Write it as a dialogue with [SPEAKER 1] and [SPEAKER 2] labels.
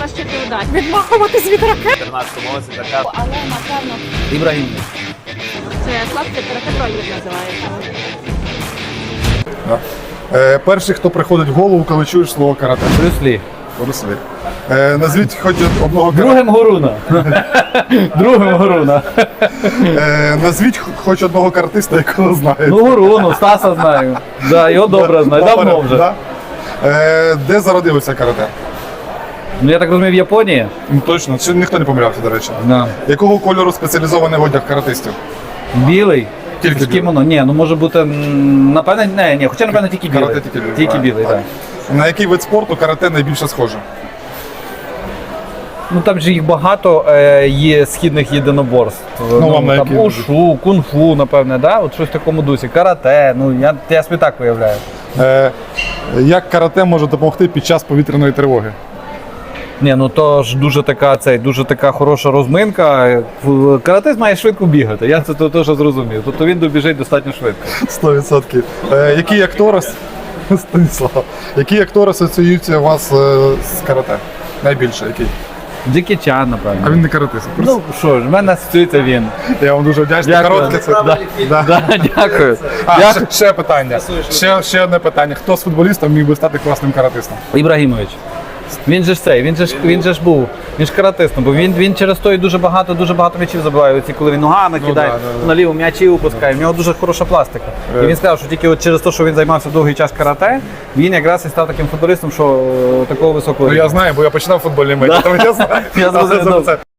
[SPEAKER 1] краще передати.
[SPEAKER 2] Відмахуватись від ракет.
[SPEAKER 3] 14 році така.
[SPEAKER 1] Але, напевно,
[SPEAKER 3] Ібрагім.
[SPEAKER 1] це хлопці карате-тройник називається.
[SPEAKER 4] Перший, хто приходить в голову, коли чуєш слово карате.
[SPEAKER 3] Брюс
[SPEAKER 4] Борис Лі. Назвіть хоч одного
[SPEAKER 3] Другим Горуна. Другим Горуна.
[SPEAKER 4] Назвіть хоч одного каратиста, якого знаєте.
[SPEAKER 3] Ну, Горуну, Стаса знаю. Да, його добре знаю, давно вже.
[SPEAKER 4] Да? Де зародилося карате?
[SPEAKER 3] Ну, я так розумію, в Японії?
[SPEAKER 4] Точно, ще ніхто не помилявся, до речі.
[SPEAKER 3] Да.
[SPEAKER 4] Якого кольору спеціалізований одяг каратистів?
[SPEAKER 3] Білий?
[SPEAKER 4] Тільки
[SPEAKER 3] з кімоно? Ні, ну може бути, напевне, ні, хоча, напевне, тільки білий.
[SPEAKER 4] Карате тільки білий.
[SPEAKER 3] Тільки білий, так.
[SPEAKER 4] На який вид спорту карате найбільше схоже?
[SPEAKER 3] Ну там же їх багато є східних єдиноборств.
[SPEAKER 4] Вам на
[SPEAKER 3] там
[SPEAKER 4] які?
[SPEAKER 3] ушу, кунг-фу, напевне, да? От щось в такому дусі. Карате, ну я собі так виявляю.
[SPEAKER 4] Як карате може допомогти під час повітряної тривоги?
[SPEAKER 3] Ні, ну то ж дуже така хороша розминка. Каратист має швидко бігати, я це теж зрозумів. Тобто він добіжить достатньо швидко.
[SPEAKER 4] 100%. Які актори Станіслав, які актори асоціюються у вас з карате? Найбільше який?
[SPEAKER 3] Джекі Чан, напевно.
[SPEAKER 4] А він не каратист.
[SPEAKER 3] Ну що ж, в мене асоціюється він.
[SPEAKER 4] Я вам дуже вдячний.
[SPEAKER 3] Дякую.
[SPEAKER 4] Коротке це. Да.
[SPEAKER 3] Да, дякую.
[SPEAKER 4] Ще питання. Ще одне питання. Хто з футболістів міг би стати класним каратистом?
[SPEAKER 3] Ібрагімович. Він же ж він ж каратистом, бо він через то і дуже багато м'ячів забиває. Оці, коли він ногами кидає, наліво м'ячі випускає. В нього дуже хороша пластика. І він сказав, що тільки от через те, що він займався довгий час карате, він якраз і став таким футболістом, що такого високого.
[SPEAKER 4] Ну я знаю, бо я починав футбольний матч, тому я знаю.
[SPEAKER 3] Я зрозумів.